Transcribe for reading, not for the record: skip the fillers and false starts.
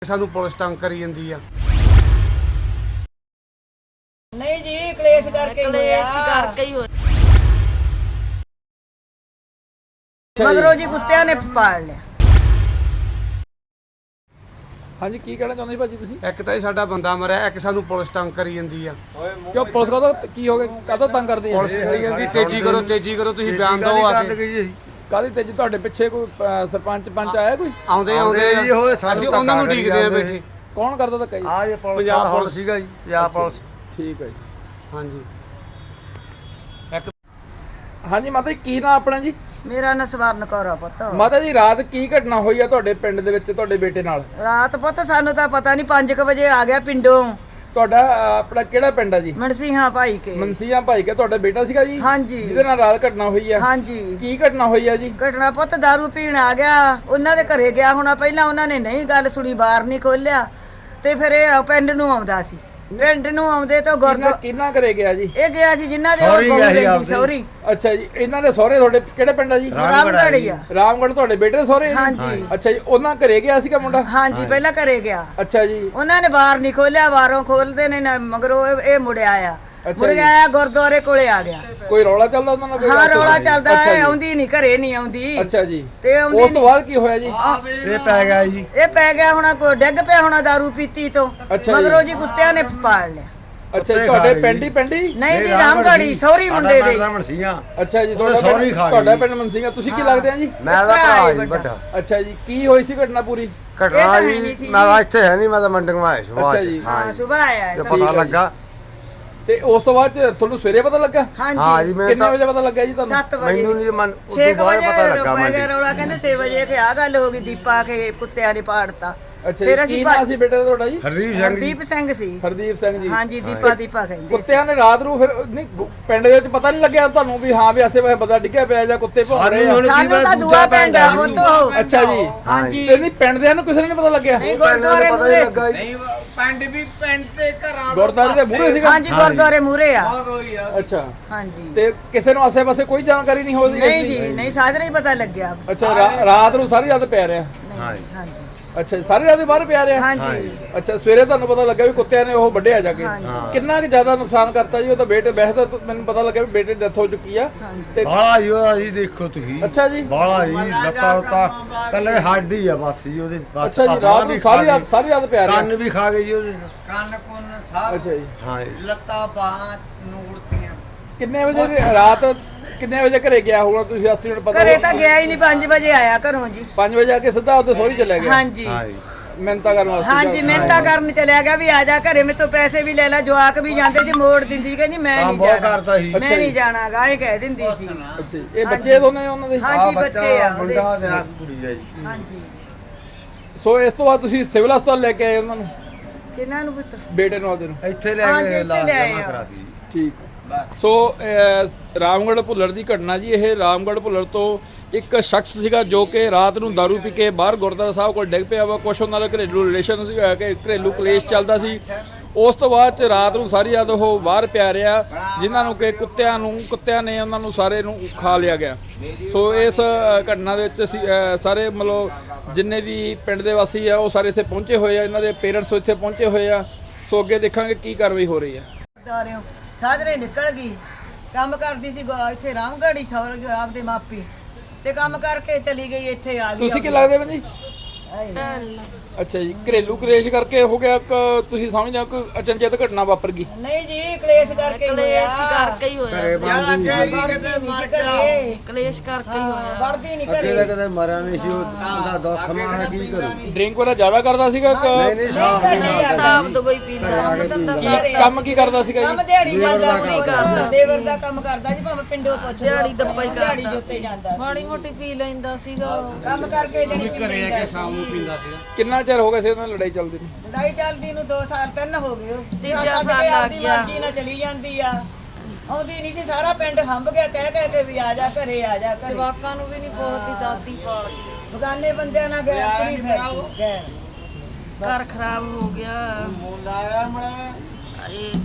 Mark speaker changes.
Speaker 1: सानू पुलिस तंग करी जांदी आ।
Speaker 2: नहीं जी कलेश करके ही होया। मगरों जी कुत्तियां ने पाल लिया।
Speaker 3: हाँ जी की कहना चाਹੁੰਦੇ ਭਾਜੀ ਤੁਸੀਂ?
Speaker 1: एक तो साडा बंदा मरिया, एक सानू पुलिस तंग करी जांदी आ।
Speaker 3: क्यों पुलिस का की हो गया काहतों तंग करदी है?
Speaker 1: पुलिस करी जांदी तेजी करो तुसीं बयान दो आके।
Speaker 3: ਕਾਹਦੀ ਤੇਜੀ ਤੁਹਾਡੇ ਪਿੱਛੇ ਕੋਈ ਸਰਪੰਚ ਪੰਚ ਆਇਆ ਕੋਈ?
Speaker 1: ਆਉਂਦੇ ਜੀ ਹੋਏ ਅਸੀਂ ਉਹਨਾਂ ਨੂੰ ਢੀਕਦੇ ਆ ਬੈਠੇ।
Speaker 3: ਕੌਣ ਕਰਦਾ ਧੱਕਾ ਜੀ?
Speaker 1: ਆ ਇਹ ਪੰਜਾਬ ਪੁਲਿਸ ਸੀਗਾ ਜੀ, ਪੰਜਾਬ ਪੁਲਿਸ।
Speaker 3: ਠੀਕ ਹੈ ਜੀ।
Speaker 1: ਹਾਂਜੀ
Speaker 3: ਹਾਂਜੀ ਮਾਤਾ ਜੀ ਕੀ ਨਾਮ ਆਪਣਾ ਜੀ?
Speaker 2: मेरा ना सवारन कौर आ पुत्त।
Speaker 3: ਮਾਤਾ ਜੀ ਰਾਤ ਕੀ ਘਟਨਾ ਹੋਈ ਆ ਤੁਹਾਡੇ ਪਿੰਡ ਦੇ ਵਿੱਚ ਤੁਹਾਡੇ ਬੇਟੇ ਨਾਲ?
Speaker 2: रात पुत्त सानू तां पता नहीं 5 बजे आ गया पिंडों।
Speaker 3: ਤੁਹਾਡਾ ਆਪਣਾ ਕਿਹੜਾ ਪਿੰਡ ਆ ਜੀ?
Speaker 2: मनसीहा भाई के।
Speaker 3: ਮਨਸੀਆਂ ਭਾਈ ਕੇ ਤੁਹਾਡਾ ਬੇਟਾ ਸੀਗਾ ਜੀ?
Speaker 2: हाँ जी
Speaker 3: ਜਿਹਦੇ ਨਾਲ ਰਾਤ ਘਟਨਾ ਹੋਈ ਆ?
Speaker 2: हाँ जी
Speaker 3: ਕੀ ਘਟਨਾ ਹੋਈ ਆ ਜੀ?
Speaker 2: ਘਟਨਾ ਪੁੱਤ दारू ਪੀਣ ਆ ਗਿਆ, ਉਹਨਾਂ ਦੇ ਘਰੇ ਗਿਆ ਹੋਣਾ। ਪਹਿਲਾਂ ਉਹਨਾਂ ਨੇ ਨਹੀਂ ਗੱਲ ਸੁਣੀ, ਬਾਹਰ ਨਹੀਂ ਖੋਲਿਆ ਤੇ ਫਿਰ ਇਹ ਪਿੰਡ ਨੂੰ ਆਉਂਦਾ ਸੀ। ਪਿੰਡ ਨੂੰ ਆਉਂਦੇ ਤਾਂ
Speaker 3: ਕਿੰਨਾ ਘਰੇ ਗਿਆ ਜੀ?
Speaker 2: ਇਹ ਗਿਆ ਸੀ ਜਿਨ੍ਹਾਂ ਦੇ ਸੌਰੀ।
Speaker 3: ਅੱਛਾ ਜੀ, ਇਹਨਾਂ ਦੇ ਸਹੁਰੇ ਤੁਹਾਡੇ ਕਿਹੜੇ ਪਿੰਡ ਆ ਜੀ?
Speaker 2: ਰਾਮਗੜ੍ਹ ਆ।
Speaker 3: ਰਾਮਗੜ੍ਹ ਤੁਹਾਡੇ ਬੇਟੇ ਦੇ ਸਹੁਰੇ?
Speaker 2: ਹਾਂਜੀ।
Speaker 3: ਅੱਛਾ ਜੀ, ਉਹਨਾਂ ਘਰੇ ਗਿਆ ਸੀਗਾ ਮੁੰਡਾ?
Speaker 2: ਹਾਂਜੀ ਪਹਿਲਾਂ ਘਰੇ ਗਿਆ।
Speaker 3: ਅੱਛਾ ਜੀ।
Speaker 2: ਉਹਨਾਂ ਨੇ ਬਾਹਰ ਨਹੀਂ ਖੋਲਿਆ, ਬਾਹਰੋਂ ਖੋਲਦੇ ਨੇ ਨਾ ਮਗਰੋਂ ਇਹ ਮੁੜਿਆ ਆ।
Speaker 3: ਅੱਛਾ
Speaker 2: ਮੁੜ ਗਿਆ ਗੁਰਦੁਆਰੇ ਕੋਲੇ ਆ ਗਿਆ।
Speaker 3: ਕੋਈ ਰੌਲਾ ਚੱਲਦਾ ਉਹਨਾਂ ਨਾਲ? ਕੋਈ
Speaker 2: ਹਾਂ
Speaker 3: ਗੱਲ
Speaker 2: ਰੌਲਾ
Speaker 3: ਸੁਣੀ?
Speaker 2: ਚੱਲਦਾ
Speaker 3: ਅੱਛਾ
Speaker 2: ਹੈ,
Speaker 3: ਜੀ।
Speaker 2: ਆਉਂਦੀ ਨਹੀਂ ਘਰੇ ਨਹੀਂ ਆਉਂਦੀ।
Speaker 3: ਅੱਛਾ ਜੀ।
Speaker 2: ਤੇ ਆਉਂਦੀ
Speaker 3: ਉਸ ਤੋਂ ਬਾਅਦ ਕੀ ਹੋਇਆ ਜੀ?
Speaker 1: ਇਹ ਪੈ ਗਿਆ ਜੀ।
Speaker 2: ਇਹ ਪੈ ਗਿਆ ਹੋਣਾ, ਕੋਈ ਡਿੱਗ ਪਿਆ ਹੋਣਾ दारू ਪੀਤੀ ਤੋਂ।
Speaker 3: ਅੱਛਾ ਜੀ।
Speaker 2: ਮਗਰੋਂ ਜੀ ਕੁੱਤਿਆਂ ਨੇ ਪਾਲ ਲਿਆ।
Speaker 3: ਅੱਛਾ ਜੀ, ਤੁਹਾਡੇ ਪਿੰਡ ਹੀ?
Speaker 2: ਨਹੀਂ ਜੀ ਰਾਮਗੜ੍ਹੀ ਸੌਰੀ ਮੁੰਡੇ ਦੇ।
Speaker 3: ਅੱਛਾ ਜੀ, ਤੁਹਾਡਾ ਪਿੰਡ ਮਨਸੀਆਂ। ਤੁਸੀਂ ਕੀ ਲੱਗਦੇ ਆ ਜੀ?
Speaker 1: ਮੈਂ ਤਾਂ ਭਰਾ ਜੀ ਵੱਡਾ।
Speaker 3: ਅੱਛਾ ਜੀ, ਕੀ ਹੋਈ ਸੀ ਘਟਨਾ ਪੂਰੀ?
Speaker 1: ਘਟਨਾ ਜੀ ਮੈਂ ਇੱਥੇ ਹੈ ਨਹੀਂ, ਮੈਂ ਤਾਂ ਮੰਡੀ ਆਇਆ ਸੀ।
Speaker 3: ਅੱਛਾ ਜੀ।
Speaker 2: ਹਾਂ ਸਵੇਰ ਆਇਆ
Speaker 1: ਤੇ ਪਤਾ ਲੱਗਾ
Speaker 3: ਤੇ ਉਸ ਤੋਂ ਬਾਅਦ ਤੁਹਾਨੂੰ ਸਵੇਰੇ ਪਤਾ ਲੱਗਾ?
Speaker 1: ਹਾਂ
Speaker 2: ਹਾਂਜੀ
Speaker 1: ਜੀ। ਮੈਂ
Speaker 3: ਕਿੰਨੇ
Speaker 1: ਤਾਂ
Speaker 3: ਵਜੇ ਪਤਾ ਲੱਗਾ ਜੀ ਤੁਹਾਨੂੰ?
Speaker 2: 7 ਵਜੇ।
Speaker 1: ਮੈਨੂੰ ਨਹੀਂ ਮਨ ਉਸ ਤੋਂ ਬਾਅਦ ਪਤਾ ਲੱਗਾ ਮੈਨੂੰ।
Speaker 2: ਰੌਲਾ ਕਹਿੰਦੇ 6 ਵਜੇ ਕਿ ਆ ਗੱਲ ਹੋ ਗਈ, ਦੀਪਾ ਕੇ ਕੁੱਤਿਆਂ ਨੇ ਪਾੜਤਾ।
Speaker 3: ਅੱਛਾ ਜੀ, ਕੀ ਨਾਂ ਸੀ ਬੇਟੇ ਦਾ ਤੁਹਾਡਾ ਜੀ?
Speaker 2: ਹਰਦੀਪ ਸਿੰਘ ਸੀ।
Speaker 3: ਹਰਦੀਪ ਸਿੰਘ ਜੀ।
Speaker 2: ਹਾਂਜੀ ਦੀਪਾ ਕਹਿੰਦੇ।
Speaker 3: ਕੁੱਤਿਆਂ ਨੇ ਰਾਤ ਨੂੰ ਫਿਰ ਨਹੀਂ ਪਿੰਡ ਦੇ ਵਿੱਚ ਪਤਾ ਨਹੀਂ ਲੱਗਿਆ ਤੁਹਾਨੂੰ ਵੀ ਹਾਂ ਵੀ ਆਸੇ ਪਾਸੇ ਬੰਦਾ ਡਿੱਗਿਆ ਪਿਆ ਜਾਂ ਕੁੱਤੇ ਭੌਂ ਰਹੇ ਆ?
Speaker 2: ਸਾਨੂੰ ਤਾਂ ਦੂਆ ਪਿੰਡ ਆ ਉਹ ਤੋਂ।
Speaker 3: ਅੱਛਾ ਜੀ।
Speaker 2: ਹਾਂਜੀ
Speaker 3: ਤੇ ਨਹੀਂ ਪਿੰਡ ਦੇ ਨੂੰ ਕਿਸੇ ਨੂੰ ਨਹੀਂ ਪਤਾ ਲੱਗਿਆ?
Speaker 2: ਗੁਰਦੁਆਰੇ
Speaker 1: ਪਤਾ ਨਹੀਂ ਲੱਗਾ ਜੀ।
Speaker 4: ਪਿੰਡ ਤੇ ਘਰਾਂ
Speaker 3: ਗੁਰਦੁਆਰੇ ਦੇ ਮੂਹਰੇ ਸੀਗਾ?
Speaker 2: ਹਾਂਜੀ ਗੁਰਦੁਆਰੇ ਮੂਹਰੇ ਆ।
Speaker 3: ਅੱਛਾ।
Speaker 2: ਹਾਂਜੀ
Speaker 3: ਤੇ ਕਿਸੇ ਨੂੰ ਆਸੇ ਪਾਸੇ ਕੋਈ ਜਾਣਕਾਰੀ ਨਹੀਂ ਹੋਈ?
Speaker 2: ਨਹੀਂ ਜੀ ਨਹੀਂ, ਸਾਜਰੇ ਹੀ ਪਤਾ ਲੱਗਿਆ।
Speaker 3: ਅੱਛਾ, ਰਾਤ ਨੂੰ ਸਾਰੀ ਰਾਤ ਪਿਆ ਰਿਹਾ?
Speaker 2: ਹਾਂਜੀ
Speaker 3: ਅੱਛਾ, ਸਾਰੀ ਰਾਤ ਬਾਹਰ ਪਿਆ ਰਿਹਾ?
Speaker 2: ਹਾਂਜੀ
Speaker 3: ਅੱਛਾ, ਸਵੇਰੇ ਤੁਹਾਨੂੰ ਪਤਾ ਲੱਗਾ ਵੀ ਕੁੱਤਿਆਂ ਨੇ ਉਹ ਵੱਢਿਆ ਜਾ ਕੇ? ਕਿੰਨਾ ਕੁ ਜ਼ਿਆਦਾ ਨੁਕਸਾਨ ਕਰਤਾ ਜੀ? ਉਹ ਤਾਂ ਬੇਟੇ ਵੈਸੇ ਤਾਂ ਮੈਨੂੰ ਪਤਾ ਲੱਗਾ ਵੀ ਬੇਟੇ ਦੀ ਡੈਥ ਹੋ ਚੁੱਕੀ ਆ। ਤੇ
Speaker 1: ਬਾਲਾ ਜੀ ਉਹਦਾ ਜੀ ਦੇਖੋ ਤੁਸੀਂ।
Speaker 3: ਅੱਛਾ ਜੀ।
Speaker 1: ਬਾਲਾ ਜੀ ਲੱਤਾਂ ਕੱਲੇ ਹੱਡੀ ਆ ਬਸ ਜੀ ਉਹਦੇ।
Speaker 3: ਅੱਛਾ ਜੀ, ਰਾਤ ਨੂੰ ਸਾਰੀ ਰਾਤ ਪਿਆ ਰਿਹਾ?
Speaker 1: ਕੰਨ ਵੀ ਖਾ ਗਈ ਜੀ ਉਹਦੇ।
Speaker 4: ਕੰਨ ਕੁੰਨ ਸਭ
Speaker 3: ਅੱਛਾ ਜੀ।
Speaker 1: ਹਾਂ ਜੀ।
Speaker 4: ਲੱਤਾਂ ਬਾਹਾਂ ਨੂੜਤੀਆਂ।
Speaker 3: ਕਿੰਨੇ ਵਜੇ ਰਾਤ ਕਿੰਨੇ ਵਜੇ ਘਰੇ ਗਿਆ ਹੋਣਾ ਤੁਸੀਂ ਐਸਟੀਮੇਟ ਪਤਾ?
Speaker 2: ਘਰੇ ਤਾਂ ਗਿਆ ਹੀ ਨਹੀਂ, 5 ਵਜੇ ਆਇਆ ਘਰੋਂ ਜੀ।
Speaker 3: 5 ਵਜੇ ਆ ਕੇ ਸਿੱਧਾ ਉੱਥੇ ਸੋਹਰੀ ਚਲੇ ਗਿਆ?
Speaker 2: ਹਾਂਜੀ
Speaker 1: ਹਾਂ ਜੀ।
Speaker 3: ਮਿਹਨਤਾਂ ਕਰਨ ਵਾਸਤੇ?
Speaker 2: ਹਾਂਜੀ ਮਿਹਨਤਾਂ ਕਰਨ ਚਲਿਆ ਗਿਆ ਵੀ ਆ ਜਾ ਘਰੇ, ਮੇਰੇ ਤੋਂ ਪੈਸੇ ਵੀ ਲੈ ਲੈ। ਜਵਾਕ ਵੀ ਜਾਂਦੇ ਜੀ, ਮੋੜ ਦਿੰਦੀ ਕਹਿੰਦੀ ਮੈਂ ਨਹੀਂ
Speaker 1: ਬਹੁਤ
Speaker 2: ਜਾਣਾ,
Speaker 1: ਕਰਦਾ ਸੀ।
Speaker 2: ਮੈਂ ਨਹੀਂ ਜਾਣਾ ਗਾ, ਇਹ ਕਹਿ ਦਿੰਦੀ ਸੀ।
Speaker 3: ਅੱਛਾ ਜੀ। ਇਹ ਬੱਚੇ ਦੋਨੇ ਉਹਨਾਂ ਦੇ?
Speaker 2: ਹਾਂਜੀ ਬੱਚੇ ਆ ਉਹਦੇ।
Speaker 1: ਮੁੰਡਾ ਤੇ ਆ ਕੁੜੀ ਆ ਜੀ।
Speaker 2: ਹਾਂਜੀ
Speaker 3: ਸੋ ਇਸ ਤੋਂ ਬਾਅਦ ਤੁਸੀਂ ਸਿਵਲ ਹਸਪਤਾਲ ਲੈ ਕੇ ਆਏ ਉਹਨਾਂ ਨੂੰ?
Speaker 2: ਕਿਹਨਾਂ ਨੂੰ ਪੁੱਤ?
Speaker 3: ਬੇਟੇ ਨੂੰ ਆਪਦੇ ਨੂੰ?
Speaker 1: ਇੱਥੇ ਲੈ
Speaker 2: ਹਾਂਜੀ,
Speaker 1: ਕੇ
Speaker 2: ਇੱਥੇ
Speaker 1: ਇਲਾਜ
Speaker 2: ਲੈ ਆਏ
Speaker 1: ਜਮਾ
Speaker 2: ਆ।
Speaker 1: ਕਰਾ ਦੀ।
Speaker 3: ਠੀਕ। ਸੋ ਰਾਮਗੜ੍ਹ ਭੁੱਲਰ ਦੀ ਘਟਨਾ ਜੀ। ਇਹ ਰਾਮਗੜ੍ਹ ਭੁੱਲਰ ਤੋਂ ਇੱਕ ਸ਼ਖਸ ਸੀਗਾ ਜੋ ਕਿ ਰਾਤ ਨੂੰ दारू ਪੀ ਕੇ ਬਾਹਰ ਗੁਰਦੁਆਰਾ ਸਾਹਿਬ ਕੋਲ ਡਿੱਗ ਪਿਆ ਵਾ। ਕੁਛ ਉਹਨਾਂ ਦਾ ਘਰੇਲੂ ਰਿਲੇਸ਼ਨ ਸੀ, ਕਿ ਘਰੇਲੂ ਕਲੇਸ਼ ਚੱਲਦਾ ਸੀ। ਉਸ ਤੋਂ ਬਾਅਦ ਚ ਰਾਤ ਨੂੰ ਸਾਰੀ ਰਾਤ ਉਹ ਬਾਹਰ ਪਿਆ ਰਿਹਾ, ਜਿਨ੍ਹਾਂ ਨੂੰ ਕਿ ਕੁੱਤਿਆਂ ਨੇ ਉਹਨਾਂ ਨੂੰ ਸਾਰੇ ਨੂੰ ਖਾ ਲਿਆ ਗਿਆ। ਸੋ ਇਸ ਘਟਨਾ ਦੇ ਵਿੱਚ ਅਸੀਂ ਸਾਰੇ ਮਤਲਬ ਜਿੰਨੇ ਵੀ ਪਿੰਡ ਦੇ ਵਾਸੀ ਆ ਉਹ ਸਾਰੇ ਇੱਥੇ ਪਹੁੰਚੇ ਹੋਏ ਆ, ਇਹਨਾਂ ਦੇ ਪੇਰੈਂਟਸ ਇੱਥੇ ਪਹੁੰਚੇ ਹੋਏ ਆ। ਸੋ ਅੱਗੇ ਦੇਖਾਂਗੇ ਕੀ ਕਾਰਵਾਈ ਹੋ ਰਹੀ ਆ।
Speaker 2: ਸਾਜਰੇ ਨਿਕਲ ਗਈ, ਕੰਮ ਕਰਦੀ ਸੀ ਇੱਥੇ ਰਾਮਗੜ੍ਹੀ ਸੌਰ ਜੋ ਆਪਦੇ ਮਾਪੀ, ਤੇ ਕੰਮ ਕਰਕੇ ਚਲੀ ਗਈ, ਇੱਥੇ ਆ ਗਈ।
Speaker 3: ਤੁਸੀਂ ਕੀ ਲੱਗਦੇ ਹੋ ਜੀ? ਅੱਛਾ ਜੀ, ਘਰੇਲੂ ਕਲੇਸ਼ ਕਰਕੇ ਹੋ ਗਿਆ? ਤੁਸੀਂ ਸਮਝਦੇ ਹੋ ਕਿ ਅਚਨਚੇਤ ਘਟਨਾ ਵਾਪਰ ਗਈ?
Speaker 2: ਨਹੀਂ ਜੀ ਕਲੇਸ਼ ਕਰਕੇ ਹੀ ਹੋਇਆ।
Speaker 1: ਘਰੇ ਬੰਦ ਨਹੀਂ
Speaker 2: ਕਲੇਸ਼ ਕਰਕੇ ਹੀ ਹੋਇਆ, ਵੜਦੀ ਨਹੀਂ
Speaker 1: ਅੱਗੇ
Speaker 2: ਘਰੇ।
Speaker 1: ਤਾਂ ਕਦੇ ਮਰਿਆ ਨਹੀਂ ਸੀ ਉਹਦਾ ਦੁੱਖ ਮਾਰਾ ਕੀ ਕਰੂ।
Speaker 3: ਡਰਿੰਕ ਵਗੈਰਾ ਜ਼ਿਆਦਾ ਕਰਦਾ ਸੀਗਾ?
Speaker 1: ਨਹੀਂ ਸਾਫ ਨਹੀਂ
Speaker 2: ਸਾਫ ਦੁਬਈ ਪੀਂਦਾ।
Speaker 3: ਕੀ ਕੰਮ ਕੀ ਕਰਦਾ ਸੀਗਾ
Speaker 2: ਕੰਮ
Speaker 3: ਜੀ?
Speaker 2: ਦਿਹਾੜੀ ਕਰਦਾ, ਦੇਵਰ ਦਾ ਕੰਮ ਕਰਦਾ ਜੀ, ਭਾਵੇਂ ਪਿੰਡੋਂ ਪੁੱਛ
Speaker 5: ਦਿਹਾੜੀ ਦੱਪਾ ਹੀ
Speaker 2: ਦਿਹਾੜੀ
Speaker 5: ਕਰਦਾ
Speaker 2: ਜੁੱਤੇ ਜਾਂਦਾ,
Speaker 5: ਮਾੜੀ ਮੋਟੀ ਪੀ ਲੈਂਦਾ ਸੀਗਾ।
Speaker 2: ਕੰਮ ਕਰਕੇ ਜਿਹੜੀ ਘਰੇ ਆ ਕੇ ਸ਼ਾਮ ਨੂੰ
Speaker 1: ਪੀਂਦਾ ਸੀਗਾ।
Speaker 3: ਕਿੰਨਾ ਚਿਰ ਹੋ ਗਿਆ ਸੀ ਉਹਨਾਂ ਨਾਲ ਲੜਾਈ ਚੱਲਦੀ ਨੂੰ?
Speaker 2: ਲੜਾਈ ਚੱਲਦੀ ਨੂੰ 2 ਸਾਲ 3 ਹੋ ਗਏ।
Speaker 5: ਤੀਜਾ ਸਾਲ ਲੱਗ ਗਿਆ।
Speaker 2: ਮਰਜ਼ੀ ਨਾਲ ਚਲੀ ਜਾਂਦੀ ਆ, ਆਉਂਦੀ ਨਹੀਂ ਸੀ। ਸਾਰਾ ਪਿੰਡ ਹੰਬ ਗਿਆ ਕਹਿ ਕੇ ਵੀ ਆ ਜਾ ਘਰੇ, ਆ ਜਾ ਘਰੇ।
Speaker 5: ਜਵਾਕਾਂ ਨੂੰ ਵੀ ਨਹੀਂ ਬਹੁਤੀ ਦਾਤੀ ਪਾਲਦੀ,
Speaker 2: ਬਗਾਨੇ ਬੰਦਿਆਂ ਨਾਲ ਗੈਰ ਕਰੀ ਫਿਰ ਗੈਰ।
Speaker 5: ਘਰ ਖਰਾਬ ਹੋ ਗਿਆ।
Speaker 4: ਮੁੰਡਾ ਆਇਆ ਮੜਾ